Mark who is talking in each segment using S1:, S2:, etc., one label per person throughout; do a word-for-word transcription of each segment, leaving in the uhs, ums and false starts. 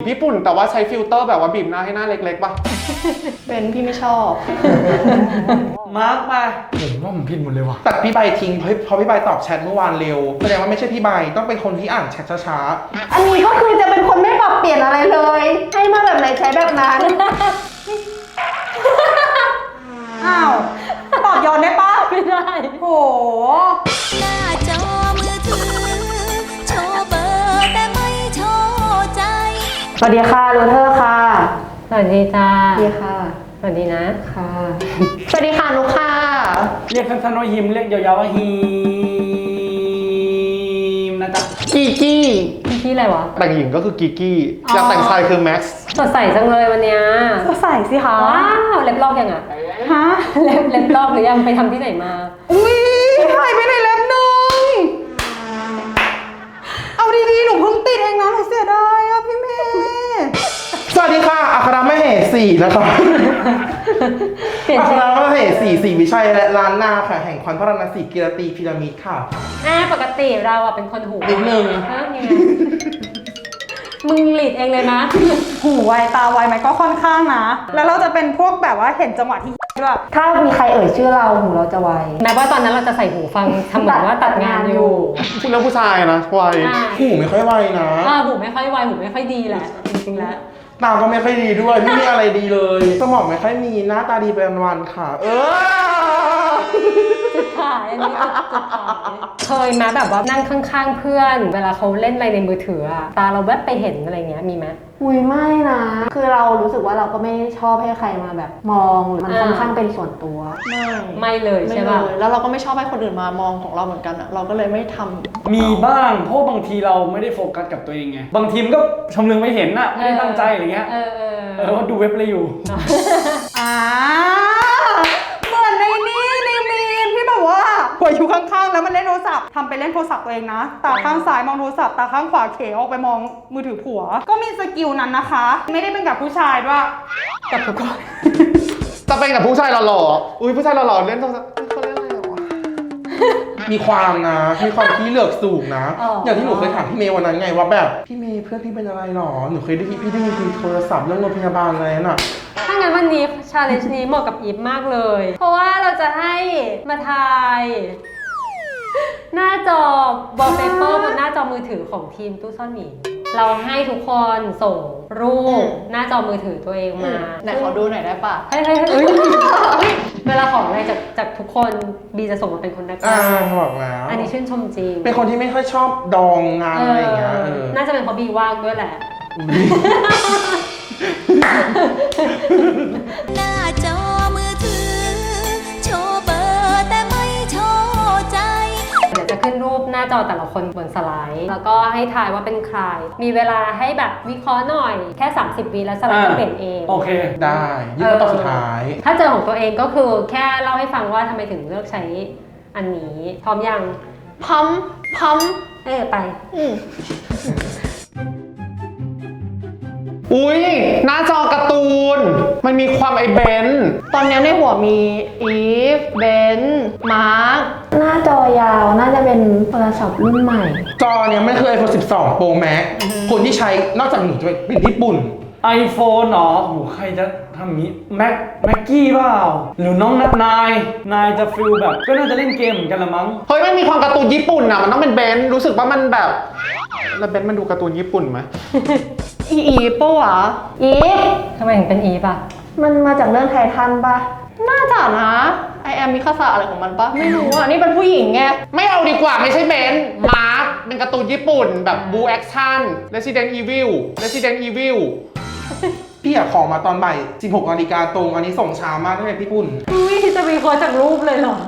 S1: ญี่ปุ่นแต่ว่าใช้ฟิลเตอร์แบบว่าบีบหน้าให้หน้าเล็กๆป่ะ
S2: เป็นพี่ไม่ชอบ
S3: มาร์กมาผมว่าผมผิดหมดเลยว่ะ
S4: แต่พี่ใบทิ้งเพราะเพราะพี่ใบตอบแชทเมื่อวานเร็วแสดงว่าไม่ใช่พี่ใบต้องเป็นคนที่อ่านแชทช้า
S2: อันนี้ก็คือจะเป็นคนไม่ปรับเปลี่ยนอะไรเลย ให้มาแบบไหนใช้แบบนั้น
S5: อ้าวตอบย้อนได้ปะ
S6: ไม่ได้
S5: โห
S7: หน้าจอมือถือโชว์เบอร์แต่ไม่โชว์ใจ
S2: สวัสดีค่ะรูเทอร์ค่ะ
S6: สวัสดีจ้า
S2: สวัสดีค่ะ
S6: สวัสดีนะ
S2: ค่ะ สวัสดีค่ะนุกค่ะ
S3: เรียกสั้นๆว่าฮิมเรียกยาวๆว่าฮีมนะจ๊ะ
S1: กีกี้
S6: พี่ที่อะไรวะ
S1: แต่งหญิงก็คือกีกี้อยากแต่งชายคือแม็กซ์
S6: สดใสจังเลยวันเนี้ย
S5: ก็ใส่สิคะ
S6: ว้าวเล็บลอกยังอ่ะ
S5: ฮะ
S6: เล็บเล็บลอกหรือยังไปทำที่ไหนมา
S5: อุ้ยหายไปไหนเล็บหนึ่งเอาดีๆ หนูเพิ่งติดเองนะ หนูเสียดายอะพี่เมย์
S4: ๆ สวัสดีค่ะอัครมเหสีนะครับ
S6: เปลี่ยน
S4: อัค
S6: ชื่อ
S4: รมเหสีสีวิชัยและล้านนาค่ะแห่งควันพระนศีกิรติพีระมิดค่ะ
S6: อ่าปกติเราอ่ะเป็นคนหู
S4: นิดนึง
S6: ฮะยังไงมึงหลีดเองเลยนะ
S5: หูไวตาไวไหมก็ค่อนข้างนะ แล้วเราจะเป็นพวกแบบว่าเห็นจังหวะที่ด้วย
S2: ถ้ามีใครเอ่ยชื่อเราหูเราจะไว
S6: แม้ว่าตอนนั้นเราจะใส่หูฟังทำเหมือนว่าตัดงานอยู่
S1: พูดเรื่องผู้ชายนะวัย
S6: อ่า
S4: หูไม่ค่อยไวนะ
S6: อ่าหูไม่ค่อยไวหูไม่ค่อยดีแหละจริงๆแล้ว
S4: ตาก็ไม่ค่อยดีด้วยไม่มีอะไรดีเลยสมองไม่ค่อยมีหน้าตาดีเป็นวันๆค่ะ เออ
S6: จุดขายอันนี้จุดขายเคยไหมแบบว่านั่งข้างๆเพื่อน เวลาเขาเล่นอะไรในมือถืออะตาเราแวบไปเห็นอะไรเงี้ยมีไหม
S2: อุ้ยไม่นะ คือเรารู้สึกว่าเราก็ไม่ชอบให้ใครมาแบบมองหรือมัน
S6: อ่า
S2: ค่อนข้างเป็นส่วนตัว
S8: ไม่
S6: ไม่เลย
S8: ไม่
S6: ใช่
S8: เล
S6: ป่ะ
S8: ยแล้วเราก็ไม่ชอบให้คนอื่นมามองของเราเหมือนกันอะเราก็เลยไม่ทำ
S3: มีบ้างเพราะบางทีเราไม่ได้โฟกัสกับตัวเองไงบางทีมันก็ชำเลืองไม่เห็นน่ะไม่ได้ตั้งใจอะไรเงี้ย
S6: เออเออ
S3: เออว่าดูเว็บอะไรอยู่
S5: อ่าเหมือนในนี่ในมีมที่แบบว่าหัวอยู่ข้างๆ แล้วมันเล่นโทรศัพท์ทำไปเล่นโทรศัพท์ตัวเองนะ ตาข้างซ้ายมองโทรศัพท์ตาข้างขวาเขออกไปมองมือถือผัว ก็มีสกิลนั้นนะคะ ไม่ได้เป็นกับผู้ชายด้วย
S6: กับทุกคน
S1: จะเป็นกับผู้ชายหล่อๆอุ้ยผู้ชายหล่อๆเล่นโทรศัพท์เขาเล่นอะไรวะ
S4: มีความนะ มีความที่เลือกสูงนะ
S6: อ๋อ
S4: อย่างที่หนูเคยถามพี่เมย์วันนั้นไงว่าแบบพี่เมย์เพื่อนพี่เป็นอะไรหรอ หนูเคยได้ยินพี่ได้ยินคุยโทรศัพท์เรื่องโรงพยาบาลอะไรน่ะ
S6: ถ้างั้นวันนี้ชาเลนจ์นี้เหมาะกับอีฟมากเลย เพราะว่าเราจะให้มาทาย หน้าจอบอลเปเปอร์บนหน้าจอมือถือของทีมตู้ซ่อนหมีเราให้ทุกคนส่งรูปหน้าจอมือถือตัวเองมา
S8: ไหนขอดูหน่อยได้ปะ
S6: เฮ้ยเฮ้ยเฮ้ยเวลาขออะไรจากจากทุกคนบีจะส่งมาเป็นคนแรก
S4: อ่าบอกแล้ว
S6: อันนี้ชื่นชมจริง
S4: เป็นคนที่ไม่ค่อยชอบดองงานอะไรอย่างเงี้ย
S6: เอ
S4: เอ
S6: อ
S4: อ
S6: น่าจะเป็นเพราะบีว่างด้วยแหละ
S7: หน้าจอมือถือโชว์เบอร์แต่ไม่โชว์ใจ
S6: เดี๋ยวจะขึ้นรูปหน้าจอแต่ละคนบนสไลด์ แล้วก็ให้ทายว่าเป็นใคร มีเวลาให้แบบวิเคราะห์หน่อยแค่ สามสิบ วิแล้วสไลด์จะเปลี่ยนเอง
S3: โอเค
S4: ได้ยื่นมาตอนสุดท้าย
S6: ถ้าเจอของตัวเองก็คือแค่เล่าให้ฟังว่าทำไมถึงเลือกใช้อันนี้ พร้อมยัง
S8: พัมพัม
S6: เออไป
S8: อืม
S1: อุ้ยหน้าจอการ์ตูน มันมีความไอเบนซ์
S8: ตอนนี้ในหัวมีอีฟเบนมาร์ค
S2: หน้าจอยาวน่าจะเป็นโทรศัพท์รุ่นใหม่
S4: จอเนี่ยไม่เคย iPhone สิบสอง Pro Max คนที่ใช้นอกจากหนูจะเป็นญี่ปุ่น
S3: iPhone เหรอโหใครจะทำอย่างนี้แม็กแม็กกี้เปล่า หรือน้องนัดนาย นายจะฟิลแบบ ก็น่าจะเล่นเกมเหมือนกันละมั้ง
S1: เฮ้ยมันมีความการ์ตูนญี่ปุ่นอะมันต้องเป็นเบนซ์รู้สึกว่ามันแบบแล้วเบนซ์มันดูการ์ตูนญี่ปุ่นไหม
S8: อีอีปะวะ
S2: อีฟ
S6: ทำไมถึงเป็นอีฟอ่ะ
S2: มันมาจากเรื่องไททันปะ
S8: น่าจะนะไอแอมมิคาสะอะไรของมันปะไม่รู้อ่ะ นี่เป็นผู้หญิงไง
S1: ไม่เอาดีกว่าไม่ใช่เบนซ์มาร์คเป็นการ์ตูนญี่ปุ่นแบบบูแอคชั่น Resident Evil Resident Evil
S4: พี่อยากขอมาตอนบ่ายสิบหกนาฬิกาตรง อันนี้ส่งช้ามากที่เป็นญี่ปุ่น
S6: อุ้ยจะวิเคราะห์จากรูปเลยเหรอ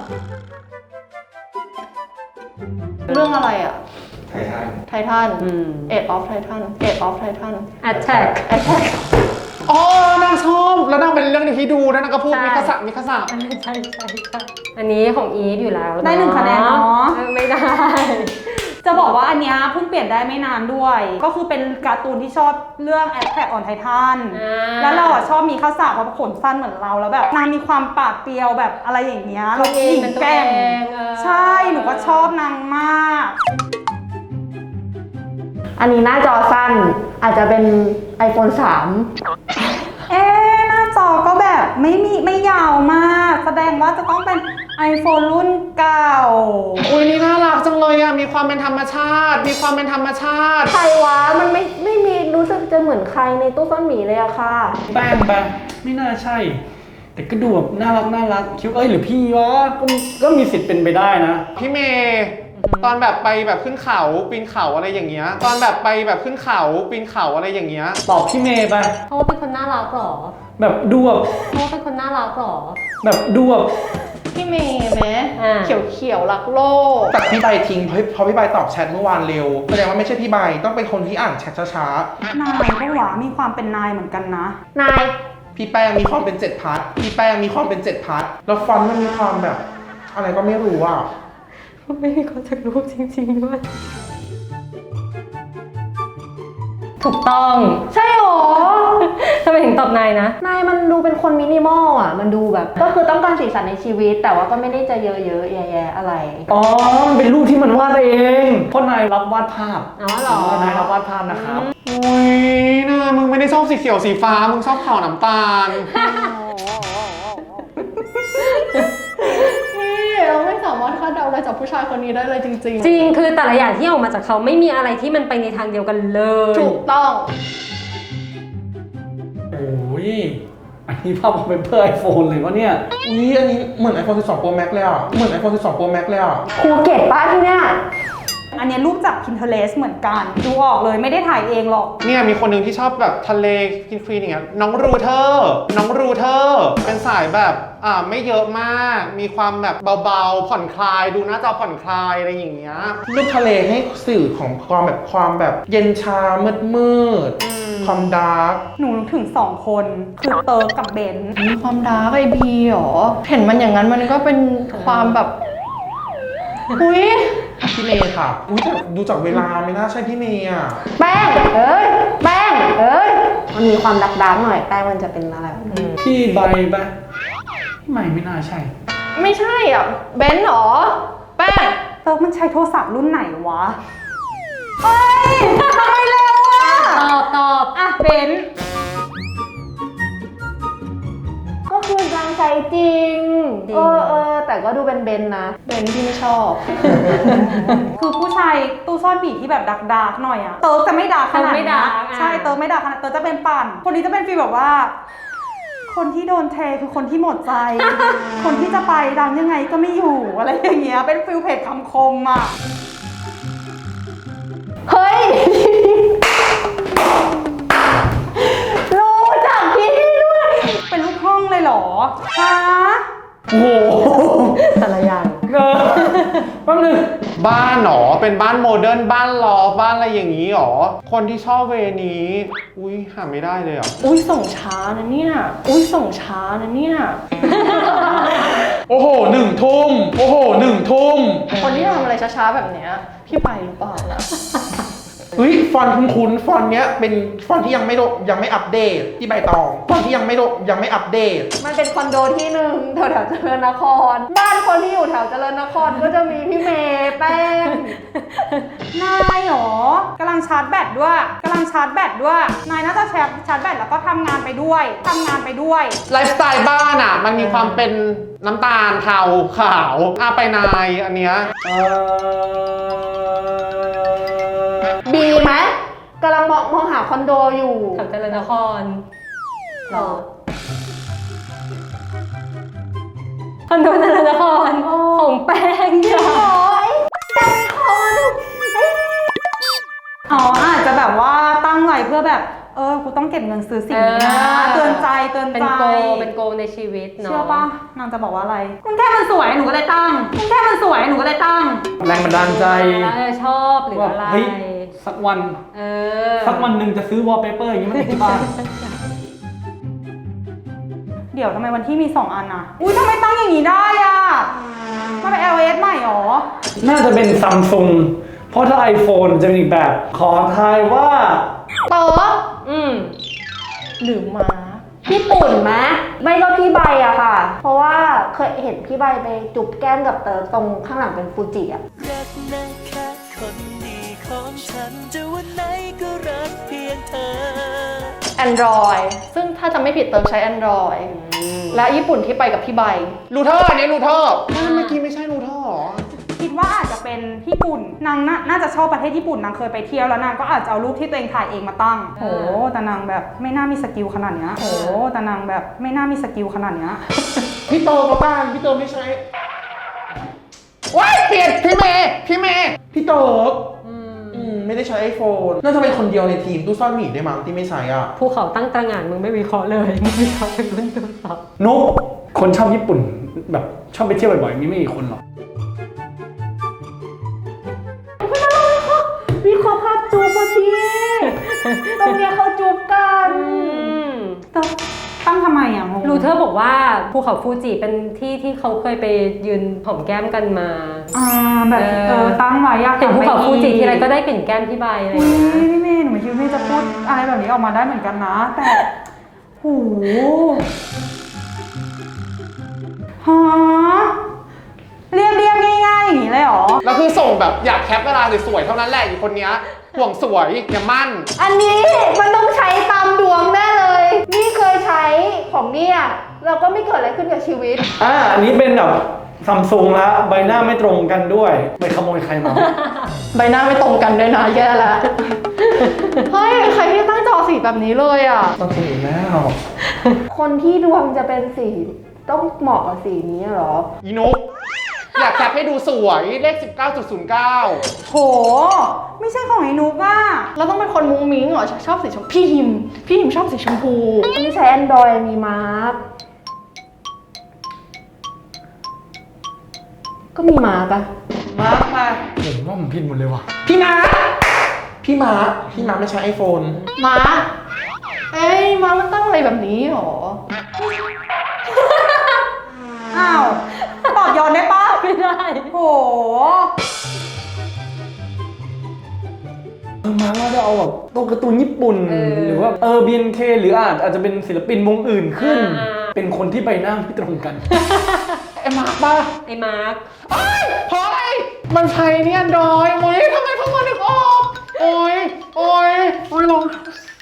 S8: เรื่องอะไรอ่ะ
S4: ไททัน
S8: ไททัน
S6: อืม
S8: เอ็ดออฟไททันเอ็ดออฟไททัน
S6: Attack
S8: แอทแทก
S1: อ๋อนางชอบแล้วนางเป็นเรื่องที่ดูแล้วนางก็พูด
S6: ใช่
S1: มิคาสะมิคาสะ
S6: อันนี้ใช่ใช่ใช่อันนี้ของอีฟอยู่แล้ว
S5: ได้หนึ่งคะแนนเนาะ
S6: ออไม่ได้
S5: จะบอกว่าอันเนี้ยเพิ่งเปลี่ยนได้ไม่นานด้วย ก็คือเป็นการ์ตูนที่ชอบเรื่อง Attack on Titan
S6: อ่า
S5: แล้วเราอะชอบมีข้าวสารเพราะขนสั้นเหมือนเราแล้วแบบนางมีความปากเปรียวแบบอะไรอย่างเงี้ยเราหญิงแกร่ง
S6: เออ
S5: ใช่หนูก็ชอบนางมาก
S2: อันนี้หน้าจอสั้นอาจจะเป็น iPhone สาม
S5: เอ๊ะหน้าจอก็แบบไม่มีไม่ยาวมาก แสดงว่าจะต้องเป็น iPhone รุ่นเก่า
S1: อุ้ยนี่น่ารักจังเลยอะมีความเป็นธรรมชาติ มีความเป็นธรรมชาติ
S2: ใครวะมันไม่ไม่มีรู้สึกจะเหมือนใครในตู้ซ่อนหมีเลยอะค่ะ
S3: แป้งไปไม่น่าใช่ แต่ก็ดูแบบน่ารักน่ารักคิดว่าเอ้ยหรือพี่วะก็ก็มีสิทธิ์เป็นไปได้นะ
S1: พี่เมย์ตอนแบบไปแบบขึ้นเขาปีนเขาอะไรอย่างเงี้ย ตอนแบบไปแบบขึ้นเขาปีนเขาอะไรอย่างเงี้ย
S3: ตอบพี่เมย์ไป
S6: เพราะว่าเป็นคนน่ารักเหรอ
S3: แบบดูแบบ
S6: เพราะว่าเป็นคนน่ารักเหรอ
S3: แบบดูแบบ
S8: พี่เมย์ไหม
S6: อ่า
S8: เขียวเขียวๆรักโลก
S4: แต่พี่ใบทิ้งเพราะเพราะพี่ใบตอบแชทเมื่อวานเร็วแสดงว่าไม่ใช่พี่ใบต้องเป็นคนที่อ่านแชทช้าน
S5: ายก็หวามีความเป็นนายเหมือนกันนะ
S2: นาย
S4: ๆพี่แป้งมีความเป็นเจ็ดพาร์ทพี่แป้งมีความเป็นเจ็ดพาร์ทแล้วฟอนต์มันมีความแบบ อะไรก็ไม่รู้อ่ะ
S6: ไม่มีคนจากรูปจริงๆด้วย ถูกต้อง
S2: ใช่หรอ
S6: ทำไมถึงตอบนายนะ
S2: นายมันดูเป็นคนมินิมอลอ่ะ มันดูแบบ ก็คือต้องการสีสันในชีวิต แต่ว่าก็ไม่ได้จะเยอะๆแย่ๆอะไร
S3: อ๋อมันเป็นรูปที่มันวาดเองเพราะนายรับวาดภาพ
S6: อ๋อเหรอ
S3: นายรับวาดภาพนะครับ
S1: อุ้ยน่ามึงไม่ได้ชอบสีเขียวสีฟ้า มึงชอบขาวน้ำตาล
S8: นี่เราไม่สามารถคาดเดาอะไรจากผู้ชายคนนี้ได้เลยจริง
S6: จริง คือแต่ละอย่างที่ออกมาจากเขาไม่มีอะไรที่มันไปในทางเดียวกันเลย
S8: ๆ ถูกต้อง
S3: โอ้ยอันนี้ภาพมันเป็นเพื่อไอโฟนเลยวะเนี่ย
S4: อุ้ยอันนี้เหมือน iPhone สิบสอง Pro Max เลยอ่ะ เหมือน iPhone สิบสอง Pro Max เลยอ่ะ
S2: ครูเกตป้าที่เนี่ย
S5: อันเนี้ยรูปจาก Pinterest เหมือนกัน ดูออกเลยไม่ได้ถ่ายเองหรอก
S1: เนี่ยมีคนหนึ่งที่ชอบแบบทะเลคลีนๆอย่างเงี้ยน้องรูเทอร์น้องรูเทอร์เป็นสายแบบอ่าไม่เยอะมาก มีความแบบเบาๆผ่อนคลาย ดูหน้าจอผ่อนคลายอะไรอย่างเงี้ย
S4: รูปทะเลให้สื่อของความแบบความแบบเย็นชามืดมืดๆความดาร์ก
S5: หนูนึกถึงสองคน คือเติร์กกับเบนซ์
S8: มีความดาร์กไอบีหรอ เห็นมันอย่างนั้นมันก็เป็นความแบบ อุ้ย
S4: พี่เมย์ค่ะอุ้ยแต่ดูจากเวลาไม่น่าใช่พี่เมย์อ่ะ
S2: แป้ง เอ้ย แป้ง เอ้ย มันมีความดักๆหน่อย แป้งมันจะเป็นอะไรแบบนี้
S3: พี่ใบปะไม่ไม่น่าใช่
S8: ไม่ใช่อ่ะ เบนซ์หรอ แป้ง
S5: เติร์กมันใช้โทรศัพท์รุ่นไหนวะ เฮ้ยทำไมเร็วอ่ะ
S6: ตอบตอบ
S5: อ่ะเบนซ์
S2: ก็คือนางใจจริง เออเออแต่ก็ดูเป็นเบนนะ
S8: เบนซ์ที่ไม่ชอบ
S5: คือผู้ชายตู้ซ่อนบีที่แบบดักดาร์กๆหน่อยอะเติร์กจะไม่ดาร์กขนาด
S6: เติร์กไม่
S5: นี้
S6: ดาร์กอ่ะ
S5: ใช่เติร์กไม่ดาร์กขนาดเติร์กจะเป็นปั่น คนนี้จะเป็นฟีลแบบว่า คนที่โดนเทคือคนที่หมดใจ คนที่จะไปดังยังไงก็ไม่อยู่อะไรอย่างเงี้ยเป็นฟีลเพจคำคมอะ
S2: เฮ้ย รู้จักพี่ด้วย
S5: เป็นลูกห้องเลยเหรอฮะ
S3: โอ้โห
S6: แต่ละอย่าง
S3: เออแป๊บนึง
S1: บ้านหรอ เป็นบ้านโมเดิร์นบ้านลอฟบ้านอะไรอย่างนี้หรอ คนที่ชอบเวนี้ อุ้ยหาไม่ได้เลยอ่ะ
S8: อุ้ยส่งช้านะเนี่ย อุ้ยส่งช้านะเนี่ย
S4: โอ้โหหนึ่งทุ่มโอ้โหหนึ่งทุ่ม
S8: คนที่ทำอะไรช้าๆแบบเนี้ย พี่ไปหรือเปล่านะ
S4: เฮ้ยฟอนต์คุ้นๆฟอนต์เนี้ยเป็นฟอนต์ที่ยังไม่โดยังไม่อัปเดตที่ใบตองฟอนต์ที่ยังไม่โดยังไม่อัปเดต
S2: มันเป็นคอนโดที่หนึ่งแถวแถวเจริญนคร บ้านคนที่อยู่แถวเจริญนครก็จะมีพี่เมย์แป้ง
S5: นายเหรอกำลังชาร์จแบตด้วยกำลังชาร์จแบตด้วย นายน่าจะชาร์จชาร์จแบตแล้วก็ทำงานไปด้วยทำงานไปด้วย
S1: ไลฟ์สไตล์บ้านอ่ะ มันมีความเป็นน้ำตาลเทาขาวอ่ะไปนายอันเนี้ย
S3: เออ
S2: บีไหมกำลังมองมองหาคอนโดอยู่
S6: แถวเจริญนคร
S2: เออ
S6: คอนโดเจริญนครของแป้งจ้ะ
S5: อ๋ออาจจะแบบว่าตั้งไว้เพื่อแบบเออกูต้องเก็บเงินซื้อสิ่งนี้นะเตือนใจเตือนใจ
S6: เป็นโกเป็นโกในชีวิตเนาะ
S5: เชื่อปะนางจะบอกว่าอะไรคุณแค่มันสวยหนูก็เลยตั้งคุณแค่มันสวยหนูก็เลยตั้ง
S3: แรงบันดาลใจ
S6: เออชอบหรือ
S3: ว่า
S6: อะไร
S3: เฮ้ยสักวัน
S6: เออ
S3: สักวันหนึ่งจะซื้อวอลเปเปอร์อย่างนี้มาติดที่บ้าน
S5: เดี๋ยวทำไมวันที่มีสองอันอะอุ้ยทำไมตั้งอย่างนี้ได้อะมันเป็น แอล เอส ใหม่หรอ
S3: น่าจะเป็นซัมซุงเพราะถ้า iPhone จะเป็นอีกแบบ ขอทายว่า
S8: เต๋อ
S6: อืม
S8: หรือม้า
S2: พี่ปุ่นไหมไม่ก็พี่ใบอะค่ะ เพราะว่าเคยเห็นพี่ใบไปจุบแก้มกับเต๋อตรงข้างหลังเป็นฟูจิอะ
S9: รักนะคะคนดีขอของฉันจะวันไหนก็รักเพียงเธอ
S8: Android ซึ่งถ้าจะไม่ผิดเติมใช้ Android และญี่ปุ่นที่ไปกับพี่ใบ
S1: รูเทอร์อันนี้รูเทอร์เมื่อกี้ไม่ใช่รูเทอร์หรอ
S5: คิดว่าอาจจะเป็นญี่ปุ่นนางน่าน่าจะชอบประเทศญี่ปุ่นนางเคยไปเที่ยวแล้วนางก็อาจจะเอารูปที่ตัวเองถ่ายเองมาตั้งโอ้แต่นางแบบไม่น่ามีสกิลขนาดเนี้ยโอ้แต่นางแบบไม่น่ามีสกิลขนาดเนี้ย
S4: พี่โตมาบ้านพี่โตไม่ใช้
S1: ว้ายเปลี่ยนพี่เมย์พี่เมย์
S4: พี่โตอืมไม่ได้ใช้ iPhone น่าจะเป็นคนเดียวในทีมตู้ซ่อนหมีได้มั้งที่ไม่ใช้อ่ะ
S6: ภูเขาตั้งตระหง่านมึงไม่วิเคราะห์เลยมึงวิเคราะห์เป็นรุ่นตัวสอบ
S3: นุกคนชอบญี่ปุ่นแบบชอบไปเที่ยวบ่อยๆมีไม่กี่คนหรอก
S2: วิเคราะห์ภาพจูบป่ะพี่ตรงเนี้ยเขาจูบกัน
S5: ตั้งทำไมอ่ะงง
S6: รูเทอร์บอกว่าภูเขาฟูจิเป็นที่ที่เขาเคยไปยืนหอมแก้มกันมา
S5: อ่าแบบเออตั้งไว้อยาก
S6: เห็นภูเขาฟูจิทีไรก็ได้กลิ่นแก้มพี่ใบอะไรอ
S5: อุ้
S6: ย่างเงี้ย
S5: ยพี่เมย์หนูไม่คิดว่าพี่จะพูดอะไรแบบนี้ออกมาได้เหมือนกันนะ แต่โหฮะเรียบเรียบง่ายๆอย่างนี้เลยเหรอ
S1: แล้วคือส่งแบบอยากแคปเวลาสวยๆเท่านั้นแหละอยู่คนเนี้ยห่วงสวยอย่ามั่น
S2: อันนี้มันต้องใช้ตามดวงแน่เลย นี่เคยใช้ของเนี่ยเราก็ไม่เกิดอะไรขึ้นกับชีวิต
S3: อ่าอันนี้เป็นแบบซัมซุงแล้วใบหน้าไม่ตรงกันด้วยไปขโมยใครมา
S8: ใบหน้าไม่ตรงกันด้วยนะแย่ละ เฮ้ย ใครที่ตั้งจอสีแบบนี้เลยอ่ะ
S4: ต้องสีแล้ว
S2: คนที่ดวงจะเป็นสีต้องเหมาะกับสีนี้เหรอ
S1: อีนุกอยากแคปให้ดูสวยเลข สิบเก้าจุดศูนย์เก้า
S5: โห ไม่ใช่ของไอ้นุกอ่ะ
S8: เราต้องเป็นคนมุ้งมิ้งเหรอ ชอบสีชมพูพี่หิม พี่หิมชอบสีชมพู
S2: อันนี้ใช้ Android มีมาร์กก็มีมาร์กอะ
S3: มาร์คมาผมว่าผมผิดหมดเลยว่ะ
S4: พี่มาร์คพี่มาร์คพี่มาร์คไม่ใช้ iPhone
S8: มาเอ้ย มามันตั้งอะไรแบบนี้หรอ
S5: อ้าว ตอบย้อนได้ปะ
S6: ไม่ได้
S5: โห
S3: เออมาว่าจะเอาแบบตัวการ์ตูนญี่ปุ่น
S6: เออ
S3: หรือว่าเออ บี เอ็น เค หรืออาจอาจจะเป็นศิลปินวงอื่นขึ้น
S6: อ่า
S3: เป็นคนที่ใบหน้าไม่ตรงกัน
S1: ไอ้มาร์คป่ะ
S6: ไอ้มาร์ค
S1: เฮ้ยเฮ้ยมันใช้เนี่ยดอยโอ้ยทำไมเพิ่งมานึกออกโอ้ยโอ้ยโอ้ยลง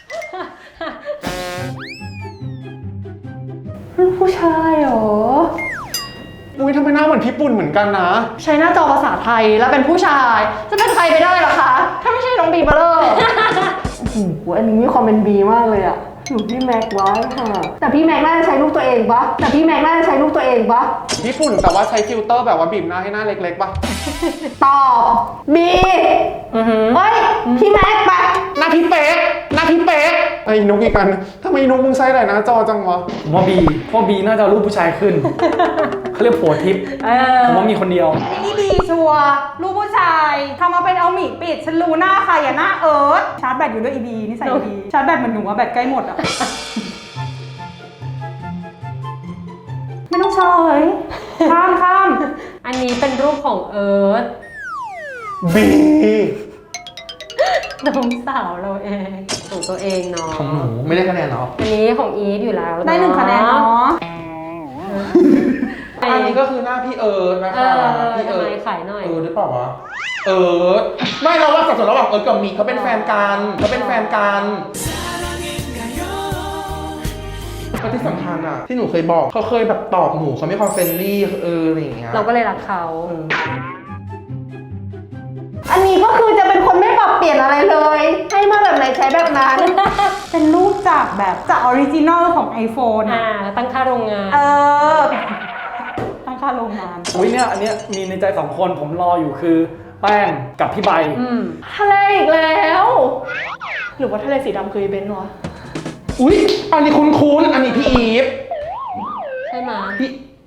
S2: ลูกผู้ชายเหรอ
S1: อุ้ยทำไมหน้าเหมือนพี่ปุ่นเหมือนกันนะ
S8: ใช้หน้าจอภาษาไทยแล้วเป็นผู้ชาย จะเป็นใครไปได้ล่ะคะ ถ้าไม่ใช่น้องบีเบอร์เลอร์
S2: โอ้โหอันนี้มีความเป็นบีมากเลยอะอยู่ที่แม็กไว้ค่ะ แต่พี่แม็กน่าจะใช้รูปตัวเองปะแต่พี่แม็กน่าจะใช้รูปตัวเองปะ
S1: ญี่ปุ่นแต่ว่าใช้ฟิลเตอร์แบบว่าบีบหน้าให้หน้าเล็กๆป่ะ
S2: ตอบบีเฮ้ย พี่แม็กไป
S1: หน้าพี่เป๊กหน้าพี่เป๊กไอ้นุกอีกอันทำไมนุกมึงใช้หลายหน้าจอจังวะ
S3: ผมว่าบีเพราะบีน่าจะเอารูปผู้ชายขึ้น เขาเรียกผัวทิพย์
S6: เออ
S3: ผมว่ามีคนเดียว
S5: นี่ดีชัวร์ลูกผู้ชายทำมาเป็นเอาหมีปิด ฉันรู้หน้าใครอะหน้าเอิร์ธชาร์จแบตอยู่ด้วยอีบีนี่ใส่อีบีชาร์จแบตเหมือนหนูอะแบตใกล้หมดอะ ไม่ต้องเฉลยข้ามข้าม
S6: อันนี้เป็นรูปของเอิร์ธ
S1: บี
S6: น้องสาวเราเองของตัวเองเนาะ
S4: ของหนูไม่ได้คะแนนเหรอ
S6: อันนี้ของอีฟอยู่แล้วเอะ
S5: ได้หนึ่งคะแนนเนาะ
S1: อันนี้ก็คือหน้าพี่เอิร์ธนะ
S6: เอ
S1: คะ
S6: อ
S1: พี่
S6: ทำ
S1: เอิ
S6: ไม
S1: ร์ธ
S6: ขายหน่อย
S1: เอิร์ธหรือเปล่าวะเอิร์ธไม่เราว่าสับสนระหว่างเอิร์ธกับมีเขาเป็นแฟนกันเขาเป็นแฟนกันแล้วที่สำคัญอ่ะที่หนูเคยบอกเขาเคยแบบตอบหนูเขาไม่ความเฟรนลี่เอออะไรอย่างเงี้ย
S6: เราก็เลยรักเขา
S2: อันนี้ก็คือจะเป็นคนไม่ปรับเปลี่ยนอะไรเลย ให้มาแบบไหนใช้แบบนั้น
S5: เป็นรูปจากแบบจากออริจินอลของ iPhone
S6: อ่า
S5: อะ
S6: ตั้งค่าโรงงาน
S5: เออ ตั้งค่าโรงงาน
S3: อุ้ยเนี่ยอันเนี้ยมีในใจสองคนผมรออยู่คือแป้งกับพี่ใบ
S6: อืม
S8: ทะเลอีกแล้ว หรือว่าทะเลสีดำคืออีเบนซ์วะ
S4: อุ๊ยอันนี้คุ้นๆอันนี้พี่อีฟ
S6: ใช่ไหม
S4: พี่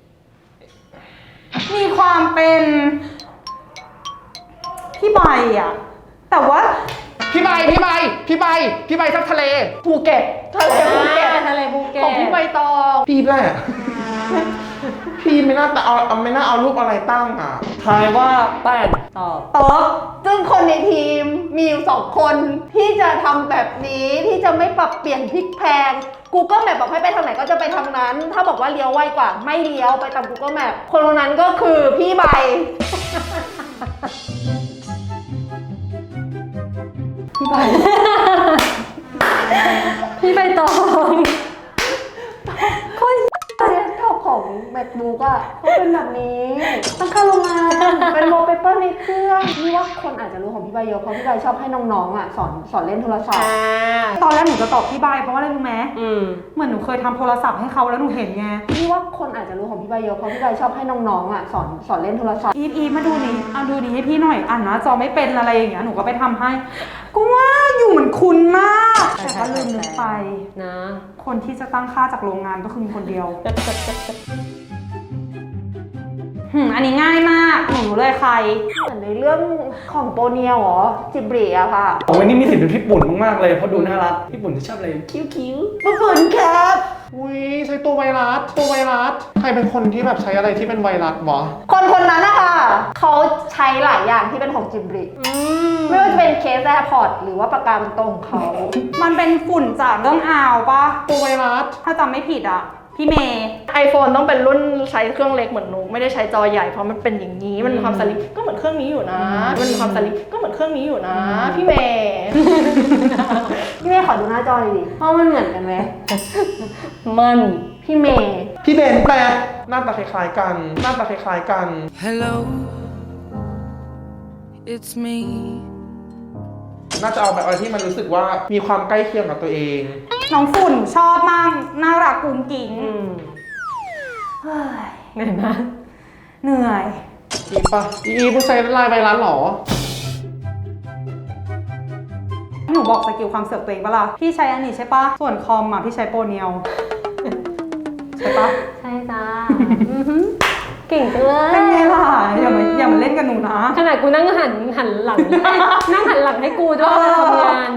S5: มีความเป็นพี่ใบอะแต่ว่า
S1: พี่ใบพี่ใบพี่ใบพี่ใบทับทะเล
S8: ภูเก็ต ทะเลภูเก็ต
S6: อ่าทะเลภูเก็ต
S8: ของพี่ใบตอง
S4: พี่แหละพี่ไม่น่าแต่เอาเอาไม่น่าเอารูปอะไรตั้งอ่ะ
S3: ทายว่าแป้ง
S6: ตอบ
S5: เติร์ก
S2: ซึ่งคนในทีมมีอยู่สองคนที่จะทำแบบนี้ที่จะไม่ปรับเปลี่ยนพลิกแพลง Google Map บอกให้ไปทางไหนก็จะไปทางนั้น ถ้าบอกว่าเลี้ยวไวกว่าไม่เลี้ยวไปตาม Google Map คนคนนั้นก็คือพี่ใบ
S6: ไป พี่ใบตอง
S2: เดสก์ท็อปของ MacBook อ่ะเขาเป็นแบบนี้ตั้งค่าโรงงานเป็นวอลเปเปอร์ในเครื่องนี่ว่าคนอาจจะรู้ของพี่ใบเยอะเพราะพี่ใบชอบให้น้องๆอ่ะสอนสอนเล่นโทรศัพท์
S5: ตอนแรกหนูจะตอบพี่ใบเพราะว่าอะไรรู้ไหม
S6: อืม
S5: เหมือนหนูเคยทำโทรศัพท์ให้เขาแล้วหนูเห็นไง
S2: นี่ว่าคนอาจจะรู้ของพี่ใบเยอะเพราะพี่ใบชอบให้น้องๆอ่ะสอนสอนเล่นโทรศัพท์
S5: อีฟอีฟมาดูนี่เอาดูนี่ให้พี่หน่อยอ่านนะจอไม่เป็นอะไรอย่างเงี้ยหนูก็ไปทำให้ก็ว่าอยู่เหมือนคุณมากแต่ก็ลืมนึกไป
S6: นะ
S5: คนที่จะตั้งค่าจากโรงงานก็คือมีคนเดียวหืมอันนี้ง่ายมากหนูรู้เลยใคร
S2: เหมือนในเรื่องของโปเนียเหรอจิบรีอะค่ะ
S3: โอ้ยนี่มีสิทธิ์เป็นพี่ปุ่นมากๆเลยเพราะดูน่ารักพี่ปุ่นจะชอบอะไรคิ้วคิ้ว
S2: ขอบคุณครับ
S1: อุ้ยใช้ตัวไวรัสตัวไวรัสใครเป็นคนที่แบบใช้อะไรที่เป็นไวรัสวะ
S2: คนคนนั้นนะคะเขาใช้หลายอย่างที่เป็นของจิบรีไม่ว่าจะเป็นเคสแอร์พอร์ตหรือว่าปากกาเป็นตรงเขา
S5: มันเป็นฝุ่นจากเรื่องอาวปะ
S1: ตัวไวรัส
S5: ถ้าจำไม่ผิดอ่ะพี่เมย์
S8: iPhone ต้องเป็นรุ่นใช้เครื่องเล็กเหมือนหนูไม่ได้ใช้จอใหญ่เพราะมันเป็นอย่างนี้มันมีความสลิปก็เหมือนเครื่องนี้อยู่นะมันมีความสลิปก็เหมือนเครื่องนี้อยู่นะพี่เมย์
S2: พี่เมย์ขอดูหน้าจอเลยดิเพราะมันเหมือนกันไหม
S6: มัน
S2: พี่เมย์
S4: พี่เบนแปลหน้าตาคล้ายๆกันหน้าตาคล้ายๆกัน
S9: Hello it's me
S4: น่าจะเอาแบบอะไรที่มันรู้สึกว่ามีความใกล้เคียงกับตัวเอง
S5: น้องฝุ่นชอบมากน่ารักกุ้งกิ้ง
S6: อืม
S5: เฮ้ย
S6: เหนื่อยมาก
S5: เหนื่อย
S1: อีปะอีอีผู้ใช้ลายไวรัสเหรอ
S5: หนูบอกสกิลความเสือกตัวเองปะล่ะพี่ใช้อันนี้ใช่ปะส่วนคอมอ่ะพี่ใช้โปรเนียวใช่ปะ
S6: ใช่จ้าอือหือเก่งจังเลย
S5: เป็นไงล่ะอย่ามาอย่ามาเล่นกับหนูนะ
S6: ขนาดกูนั่งหันหันหลัง นั่งหันหลังให้กูด้วยเวลาทำงาน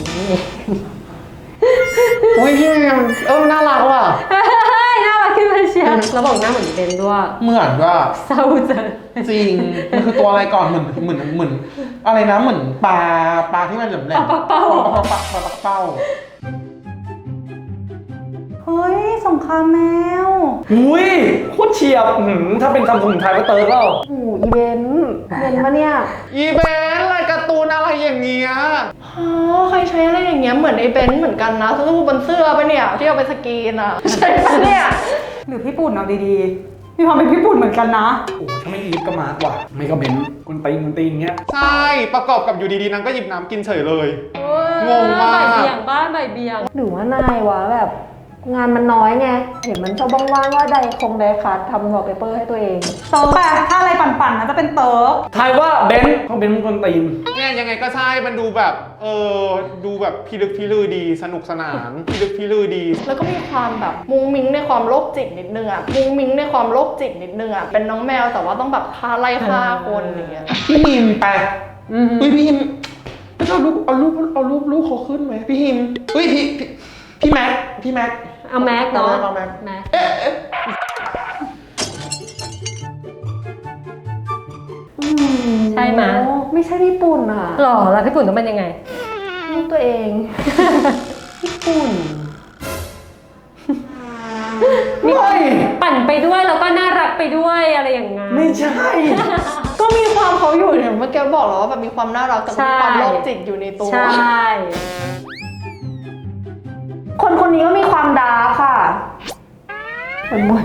S1: อุ้ยพี่เมย์มันเออมันน่ารักว่ะ
S6: เฮ้ยน่ารักขึ้นมาเชียวแล้วบอกหน้าเหมือนเบนด้วย
S4: เหมือนว่า
S6: เศร้าจัง
S4: จริงมันคือตัวอะไรก่อนเหมือนเหมือนเหมือนอะไรนะเหมือนปลาปลาที่มันแหลมแหลม
S6: ปลาเป้า
S4: ปลาปลาปลาปลาเป้า
S5: เฮ้ยสงครามแมว
S3: อุ้ยโคตรเฉียบหืมถ้าเป็นคำสมุนไพรก็เติร์กแล้ว
S2: โอ้โหอีเวนต์เวนต์ปะเนี่ย
S1: อีเบนอะไรการ์ตูนอะไรอย่างเงี้ย
S8: อ๋อใครใช้อะไรอย่างเงี้ยเหมือนไอ้เบนซ์เหมือนกันนะสู้บนเสื้อปะเนี่ยที่เอาไปสกรีนอ่ะใช่ปะเนี่ย
S5: หรือพี่ปุ่นเอาดีๆมีความเป็นพี่ปุ่นเหมือนกันนะ
S3: โอ้ถ้าไม่อีฟก็มาร์กว่ะไม่ก็เบนกุนตีนกุนตีนเงี้ย
S1: ใช่ประกอบกับอยู่ดีๆนางก็หยิบน้ำกินเฉยเลย งงมาก
S6: ใบเบี่ยงบ้านใบเบี่ยง
S2: หรือว่านายวะแบบงานมันน้อยไงเห็นมันชอบว่างๆว่าใดคงไดคัททำวอลเปเปอร์ให้ตัวเอง
S5: เติร์กอะถ้าอะไรปั่นๆนะจะเป็นเติร์ก
S3: ทายว่าเบนเขาเบนกุนตีน
S1: เนี่ยยังไงก็ใช่มันดูแบบเออดูแบบพิลึกพิลือดีสนุกสนานพิลึกพิลือดี
S8: แล้วก็มีความแบบมุ้งมิ้งในความโรคจิตนิดนึงอ่ะมุ้งมิ้งในความโรคจิตนิดนึงอ่ะเป็นน้องแมวแต่ว่าต้องแบบฆ่าไล่ฆ่าคนอย่างเงี้ย
S4: พี่ฮิมแปล
S6: อือหือ
S4: อุ้ยพี่ฮิมเอารูปเอารูปเอารูปรูปเขาขึ้นไหมพี่ฮิมอุ้ยพี่พี่พี่แม็กพี่แม็ก
S6: เอาแม็กเนาะ
S4: เอาแม็ก
S6: แม็ก
S4: เอ๊ะเอ๊ะ
S6: ใช่ไหม
S2: โอ้ไม่ใช่ญี่ปุ่นอ่ะ
S6: หล่อแล้วพี่ปุ่นต้องเป็นยังไง
S2: ลูกตัวเอง
S6: ญี่ปุ่น
S3: ไม่
S6: ปั่นไปด้วยแล้วก็น่ารักไปด้วยอะไรอย่างงั้น
S3: ไม่ใช่
S8: ก็มีความเขาอยู่เนี่ยเมื่อกี้บอกแล้วว่าแบบมีความน่ารักแต่มีความโรคจิตอยู่ในตัว
S6: ใช่
S2: คนคนนี้ก็มีความดาร์กค่ะคนบ่น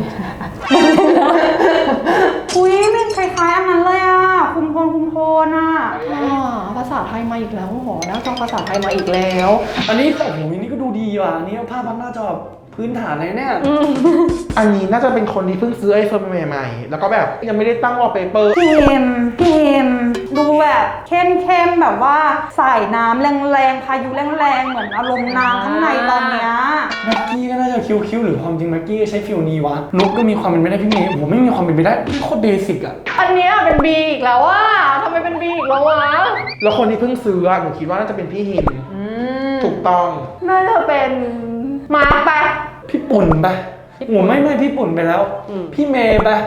S5: อุ้ยเป็นคล้ายๆอันนั้นเลยอ่ะ คุมโทนคุมโทนอ่ะ
S8: อ่าภาษาไทยมาอีกแล้วหอหน้าจอภาษาไทยมาอีกแล้ว
S3: อันนี้โอ้โหอันนี้ก็ดูดีว่ะอันนี้ภาพพันหน้าจอแบบพื้นฐานเลยเนี่ย
S4: อันนี้น่าจะเป็นคนที่เพิ่งซื้อไอโฟนใหม่ๆแล้วก็แบบยังไม่ได้ตั้งวอลเปเปอร์
S5: พิมพ์พิมพ์ดูแบบเข้มๆแบบว่าสายน้ำแรงๆพายุแรงๆเหมือนอารมณ์น้ำข้างในตอนเนี้ย
S3: แม็กกี้ก็น่าจะคิ้วๆหรือความจริงแม็กกี้ใช้ฟิลนี้วะนุ๊กก็มีความเป็นไปได้พี่เมย์ผมไม่มีความเป็นไปได้นี่โคตรเบสิกอะ
S8: อันเนี้ยเป็นบีอีกแล้วว่าทำไมเป็นบีอีกแล้ววะ
S4: แล้วคนที่เพิ่งซื้ออะหนูคิดว่าน่าจะเป็นพี่ฮิมถูกต้อง
S2: น่าจะเป็นมาร์คไป
S3: พี่ปุ่นปะโอ้ไม่ไม่พี่ปุ่นไปแล้ว พี่เมย์ปะ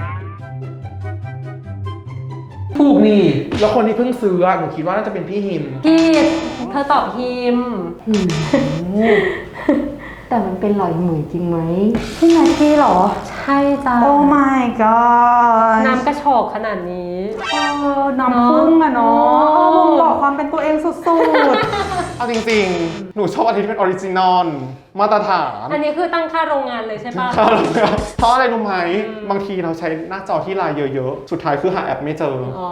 S4: ถูกนี่ แล้วคนที่เพิ่งซื้ออะหนูคิดว่าน่าจะเป็นพี่ฮิม
S6: พี่เธอตอบฮิม
S2: แต่แต่มันเป็นหลอยเหมยจริงไหม
S5: พี่แม็กกี้เหรอ
S6: ใช่จ้า
S5: โอ้ my god
S6: น้ำกระชอกขนาดนี้
S5: เออน้ำพุ่งอะเนาะ
S6: เนอะ
S5: เออบ่งบอกความเป็นตัวเองสุด
S1: เอาจริงๆ หนูชอบอันที่เป็นออริจินอลมาตรฐาน
S6: อันนี้คือตั้งค่าโรงงานเลยใช่ปะ
S1: เพราะอะไรรู้ไหมบางทีเราใช้หน้าจอที่ไลน์เยอะๆ สุดท้ายคือหาแอปไม่เจอ
S6: อ๋อ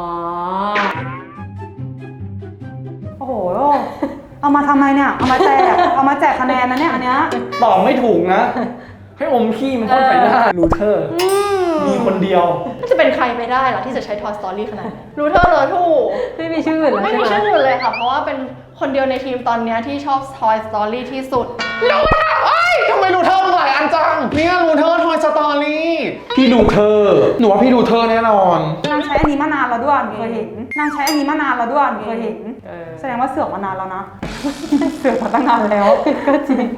S5: ๆ โอ้โห เอามาทำไมเนี่ย เอามาแจก เอามาแจกคะแนนนะเนี่ยอันเนี้ย
S3: ตอบไม่ถูกนะ ให้อมขี้มันพ่นใส่หน้ารูเทอร์ มีคนเดียว
S8: มันจะเป็นใครไปได้ล่ะที่จะใช้ Toy Story ขนาดนี้รู้เธอเลยถูก
S6: ไม่มีชื่ออื่นแล้ว
S8: ไม่
S6: ใช่
S8: มี
S6: ไหม
S8: ชื่ออื่นเลยค่ะ เพราะว่าเป็นคนเดียวในทีมตอนเนี้ยที่ชอบ Toy Story ที่สุด
S1: รู้ค่ะเอ้ยทำไมรูเทอร์มันหลายอันจังเนี่ยรูเทอร์ทอยสตอรี่
S4: พี่ดูเธอ หนูว่าพี่ดูเธอแน่นอน
S5: นางใช้อันนี้มานานแล้วด้วยหนูเคยเห็น นางใช้อันนี้มานานแล้วด้วยหนูเคยเห็น
S6: เออ
S5: แสดงว่าเสือกมานานแล้วนะ เสือกมาตั้งนานแล้ว ก็จริง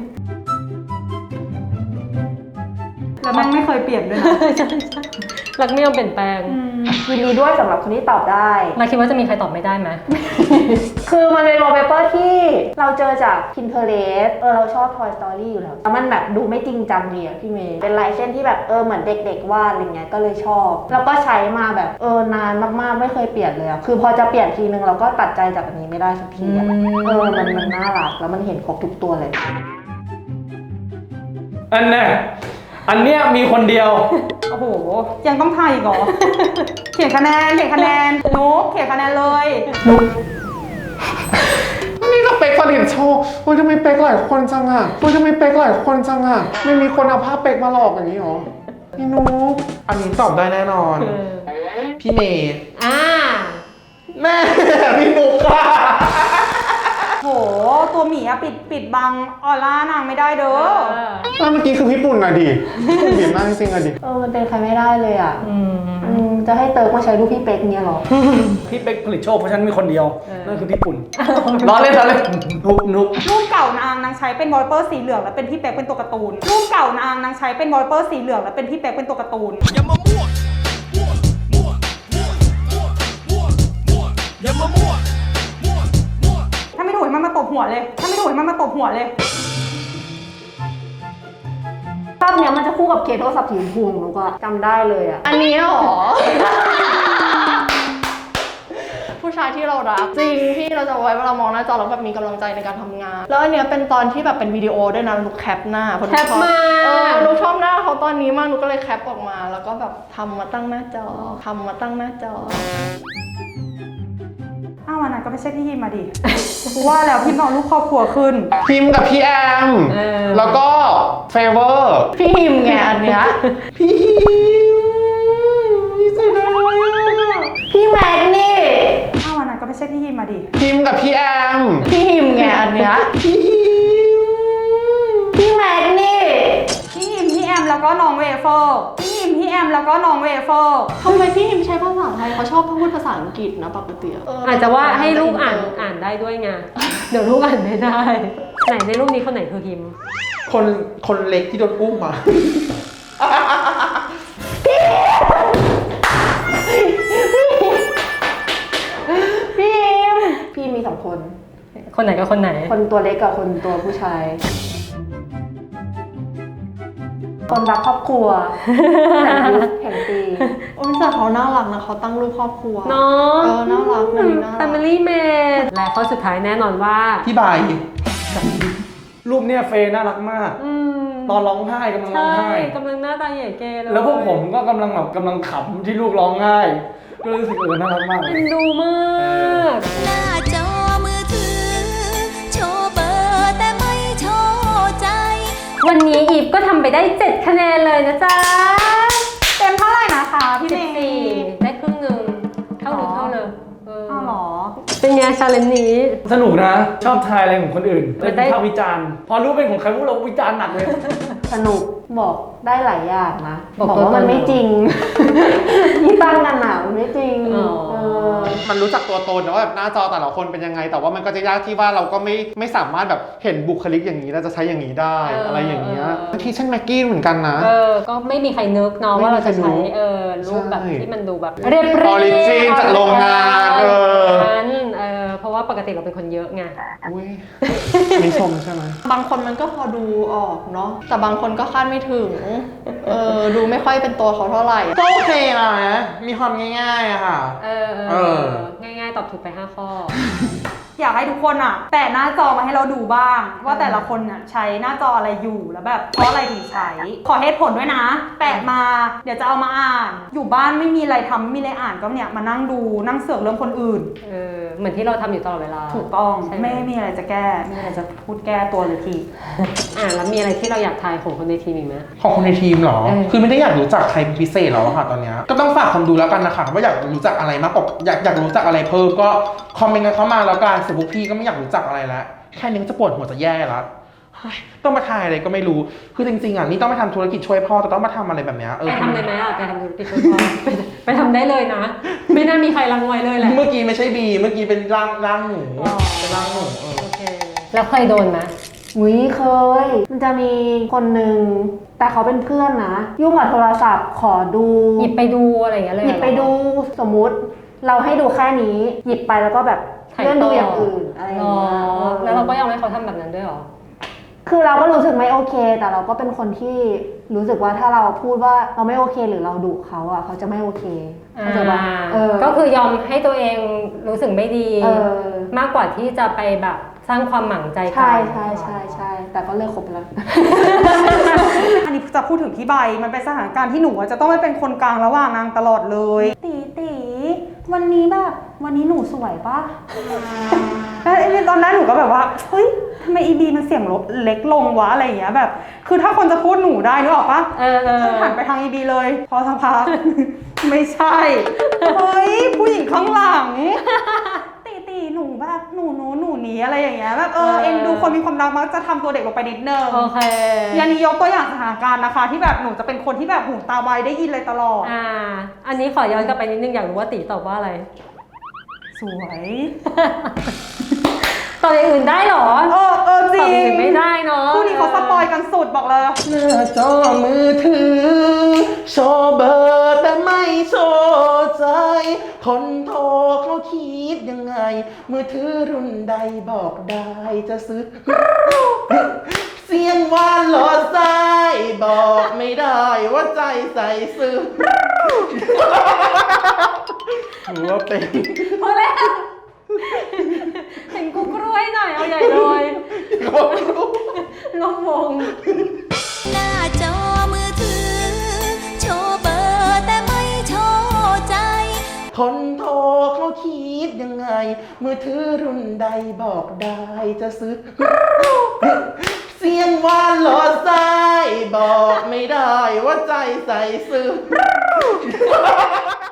S5: แล้วมันไม่เคยเปลี่ยนด้วยนะ
S6: รักไม่ยอมเปลี่ยนแปลง
S2: ยินดีด้วยสำหรับคนที่ตอบได้
S6: เราคิดว่าจะมีใครตอบไม่ได้ไหม
S2: คือมันเป็นวอลเปเปอร์ที่เราเจอจาก Pinterest เออเราชอบ Toy Story อยู่แล้วแล้วมันแบบดูไม่จริงจังดีอะพี่เมย์เป็นลายเส้นที่แบบเออเหมือนเด็กๆวาดอะไรเงี้ยก็เลยชอบ แล้วก็ใช้มาแบบเออนานมากๆไม่เคยเปลี่ยนเลยอะคือพอจะเปลี่ยนทีนึงเราก็ตัดใจจากอันนี้ไม่ได้สักทีอะ
S6: อืม
S2: เออมันมันน่ารักแล้วมันเห็นครบทุกตัวเลย
S3: อันแน่อันเนี้ยมีคนเดียว
S5: โอ้โห ยังต้องทายอีกเหรอ เขียนคะแนน เขียนคะแนนนุ๊กเขียนคะแนนเลย
S1: นี่ก็เป็กผลิตโชว์โอ้ยทำไมเป็กหลายคนจังอ่ะโอ้ยทำไมเป็กหลายคนจังอ่ะไม่มีคนเอาภาพเป็กมาหลอกอย่างนี้หรอพี่นุ๊ก
S4: อันนี้ตอบได้แน่นอน พี่เมย์
S6: อ่า
S1: แม่พี่นุ๊กค่ะ
S5: โห ตัวหมีอะปิดปิดบังออร่านางไม่ได้เด้อ
S1: แล้วเมื่อกี้คือพี่ปุ่นอะดิพี่ปุ่นบีบมากจริงๆอะดิ
S2: เออมันเป็นใครไม่ได้เลยอะ
S6: อืม
S2: อืมจะให้เติร์กมาใช้รูปพี่เป๊กเนี่ยเหรอ
S3: พี่เป็กผลิตโชคเพราะฉันมีคนเดียว นั่นคือพี่ปุ่น ล้อเล่นล้อเล่นนุกนุก
S5: รูปเก่านางนางใช้เป็นวอลเปอร์สีเหลืองแล้วเป็นพี่เป๊กเป็นตัวการ์ตูน รูปเก่านางนางใช้เป็นวอลเปอร์สีเหลืองแล้วเป็นพี่เป๊กเป็นตัวการ์ตูน
S9: อย่ามามั่วมั่วมั่วมั่วมั่วมั่วมั่วอย่ามามั่วมั่วมั่ว
S5: ถ้าไม่ถูกให้มันมาตบหัวเลย ถ้าไม่ถูกให้มันมาตบหัวเลย
S2: ภาพเนี้ยมันจะคู่กับเคสโทรศัพท์สีชมพูของหนูก็จำได้เลยอะ
S8: อันนี้เหรอ ผู้ชายที่เรารักจริงที่เราจะไว้เวลามองหน้าจอแล้วแบบมีกำลังใจในการทำงาน แล้วอันเนี้ยเป็นตอนที่แบบเป็นวิดีโอด้วยนะลูกแคปหน้าเพราะลูก
S6: แคป
S8: ชอบ
S6: มา
S8: เออลูกชอบหน้าเขาตอนนี้มากลูกก็เลยแคปออกมา แล้วก็แบบทำมาตั้งหน้าจอทำมาตั้งหน้าจอ
S5: อ้าววันนั้นก็ไม่ใช่พี่ฮิมมาดิ ว่าแล้วพี่น้องลูกครอบครัวขึ้น
S1: พิมพ์กับพี่แอม
S6: เออ
S1: แล้วก็เฟเวอร์
S8: พี่ฮิมไงอันเนี้ย
S1: พี่เสียดายอะ
S2: พี่แม็กนี่
S5: อ้าววันนั้นก็ไม่ใช่พี่ฮิมมาดิ
S1: พิมพ์กับพี่แอม
S8: พี่ฮิมไงอันเนี้ย
S2: พี่แม็กนี่
S5: พี่ฮิมพี่แอมแล้วก็น้องเวเฟอร์พี่ฮิมพี่แอมแล้วก็น้องเวเฟอร์
S8: ทำไมพี่ฮิมใช้ภาษาไทยเขาชอบพูดภาษาอังกฤษนะปกติอะ
S6: อาจจะว่าให้ลูกอ่านอ่านได้ด้วยไง เดี๋ยวลูกอ่านไม่ได้ ไหนในรูปนี้คนไหนคือฮิม
S4: คนคนเล็กที่โดนอุ้มมา
S2: พี่ฮิมพี่มีสองคน
S6: คนไหนกับคนไหน
S2: คนตัวเล็กกับคนตัวผู้ชาย คนรักครอบครัวแห่งยุคแห่งปี
S8: โอ้ยแต่เขาน่ารักนะเขาตั้งรูปครอบครัว
S6: เนาะ
S8: เออน่ารักนะนี่น่ารัก
S6: Family Mate และข้อสุดท้ายแน่นอนว่า
S4: พี่ใบ
S3: รูปเนี้ยเฟย์น่ารักมาก
S6: อืม
S3: ตอนร้องไห้กำลังร้อง
S6: ใช่
S3: ไห้
S6: กำลังหน้าตาใหญ่เกเลย
S3: แล้วพวกผมก็กำลังแบบกำลังขำที่ลูกร้องไห้ ก็เลยรู้สึกเออน่ารักมาก
S6: เอ็นดูมาก
S7: หน้าจอมือถือ โชว์เบอร์แต่ไม่โชว์ใจ
S6: วันนี้อีฟก็ทำไปได้เจ็ดคะแนนเลยนะจ๊ะ
S5: เต็มเท่าไหร่นะคะพี่
S6: สิ
S5: เม
S6: บ
S5: ย์
S6: สี่ได้ครึ่งหนึ่งเท่าหรือเท่าเลยเออ
S5: อ้าวเหรอ
S6: เป็นไงชาเลนจ์นี้
S3: สนุกนะ ชอบทายอะไรของคนอื่น
S6: มั
S3: เป็น
S6: นได้
S3: วิพากษ์วิจารณ์ พอรู้เป็นของใครพวกเราวิจารณ์หนักเลย
S2: สนุกบอกได้หลายอย่างนะ
S6: บอก
S2: บอกว่ามันไม่จริง ที่ตั้งกันหนามันไม่จริง
S6: อ๋อ
S2: เออ
S1: มันรู้จักตัวตนนะว่าแบบหน้าจอแต่ละคนเป็นยังไง แต่ว่ามันก็จะยากที่ว่าเราก็ไม่ไม่สามารถแบบเห็นบุคลิกอย่างนี้เราจะใช้อย่างนี้ได้
S6: เอออ
S1: อะไรอย่างเงี้ย
S6: เออ
S1: บางทีเช่นแม็กกี้เหมือนกันนะ
S6: เออ ก็ไม่มีใครนึกเนาะว่าเราจะ
S1: ไม่มีใคร
S6: ใช้
S1: รู้
S6: เออรูปแบบ
S1: ใช่
S6: ที่มันดูแบบเรียบเรียบ
S1: Origin จากโรงงานเออ
S6: นั้นเออเพราะว่าปกติเราเป็นคนเยอะไง
S1: อุ้ยมีชมใช่ไหม
S8: บางคนมันก็พอดูออกเนาะแต่บางคนก็คาดไม่ถึงเออดูไม่ค่อยเป็นตัวเขาเท่าไหร่
S4: ก็โอเคนะมีความง่ายๆอะค่ะ
S6: เออเอ
S4: เอ
S6: อ
S4: อ
S6: ง่ายๆ ตอบถูกไปห้าข้อ
S5: อยากให้ทุกคนอ่ะแปะหน้าจอมาให้เราดูบ้าง ว่าแต่ละคนน่ะใช้หน้าจออะไรอยู่แล้วแบบเพราะอะไรถึงใช้ ขอเหตุผลด้วยนะ แปะมาเดี๋ยวจะเอามาอ่าน อยู่บ้านไม่มีอะไรทำไม่มีอะไรอ่านก็เนี่ยมานั่งดูนั่งเสือกเรื่องคนอื่น
S6: เออ เหมือนที่เราทำอยู่ตลอดเวลา
S5: ถูกต้อง
S6: ใช่ไหม
S5: ไม่มีอะไรจะแก้ไม่มีอะไรจะพูดแก้ตัวเลยที
S6: อ่าแล้วมีอะไรที่เราอยากทายของคนในทีมอีกไหม
S4: ของคนในทีมเหรอ
S6: เออ
S4: คือไม่ได้อยากรู้จักใครเป็นพิเศษหรอกค่ะตอนเนี้ยก็ต้องฝากคนดูแล้วกันนะคะว่าอยากรู้จักอะไรมากกว่าอยากอยากรู้จักอะไรเพิ่มก็คอมเมนต์กันเข้ามาแล้วกันส่วนพวกพี่ก็ไม่อยากรู้จักอะไรแล้วแค่นี้ก็จะปวดหัวจะแย่แล้วเฮ้ยต้องมาทายอะไรก็ไม่รู้คือจริงๆอ่ะนี่ต้องไปทำธุรกิจช่วยพ่อแต่ต้องมาทำอะไรแบบเนี้ยเอ
S6: ไป
S4: อ
S6: ทำเลยไหมอ่ะไปทำธุรกิจช่วยพ่อไปไปทำได้เลยนะ ไม่น่ามีใครรังไว้เลยแหละ
S4: เมื่อกี้ไม่ใช่บีเมื่อกี้เป็นร่างร่างหนู
S6: อ๋อ
S4: เป็นร่างหนูเออ
S6: โอเค แล้วเคยโดนไหม
S2: อุ้ยเคย มันจะมีคนหนึ่งแต่เขาเป็นเพื่อนนะ ยุ่งกับโทรศัพท์ขอดู
S6: หยิบไปดูอะไรอย่างเงี้ยเลย
S2: หยิบไปดูสมมุติ เราให้ดูแค่นี้ หยิบไปแล้วก็แบบเลื่อนดูอย่างอื่นอะไรอย่าง
S6: อ๋อ
S2: เงี้ยเออ
S6: แล้วเราก็ยอมให้เขาทำแบบนั้นด้วยเหรอ
S2: คือเราก็รู้สึกไม่โอเค แต่เราก็เป็นคนที่รู้สึกว่าถ้าเราพูดว่าเราไม่โอเคหรือเราดุเขาอ่ะเขาจะไม่โอเคเข้าใจปะเออ
S6: ก็คือยอมให้ตัวเองรู้สึกไม่ดี
S2: เออ
S6: มากกว่าที่จะไปแบบสร้างความหมั่งใจกัน
S2: ใช่ใช่ใช่ใช่แต่ก็เลิกคบไปแล้ว
S5: อันนี้จะพูดถึงพี่ใบมันเป็นสถานการณ์ที่หนูอะจะต้องไปเป็นคนกลางระหว่างนางตลอดเลยตีตีวันนี้แบบวันนี้หนูสวยปะแล้วไอ้ตอนแรกหนูก็แบบว่าเฮ้ยทำไมอีบีมันเสียงลดเล็กลงวะอะไรอย่างเงี้ยแบบ คือถ้าคนจะพูดหนูได้นึกออกปะ
S6: เออเออ
S5: ก็หันไปทางอีบีเลย พอสักพัก ไม่ใช่เฮ้ยผู้หญิงข้างหลังตีตีหนูแบบหนูหนูหนูหนี้อะไรอย่างเงี้ยแบบเออเอ็นดูคนมีความรักมักจะทำตัวเด็กลงไปนิดนึง
S6: โอเค
S5: ยันนี้ยกตัวอย่างสถานการณ์นะคะ ที่แบบหนูจะเป็นคนที่แบบหูตาไวได้ยินเลยตลอด
S6: อ่า อันนี้ขอย้อนกลับไปนิดนึงอยากรู้ว่าตีตอบว่าอะไร
S5: สวย
S6: ตอบอย่างอื่นได้เหรอ
S5: เออเออจ
S6: ต
S5: ริ
S6: อบ
S5: ง
S6: อย่างอื่นไม่ได้เนาะ
S5: คู่นี้เขาสปอยกันสุดบอกเลย
S4: หน้าจอมือถือโชว์เบอร์แต่ไม่โชว์ใจ คนโทรเขาคิดยังไง มือถือรุ่นใดบอกได้จะซื้อ เสียงหวานหลอดไส้บอกไม่ได้ว่าใจใส่ซื้อหรือว่าเป็น
S6: พอแล้วเห็นกูกล้วยหน่อยเอาใหญ่เลยลงวง
S7: หน้าจอมือถือ โชว์เบอร์แต่ไม่โชว์ใจ
S4: คนโทรเขาคิดยังไง มือถือรุ่นใดบอกได้จะซื้อ เสียงหวานหลอดไส้บอกไม่ได้ว่าใจใส่ซื้อ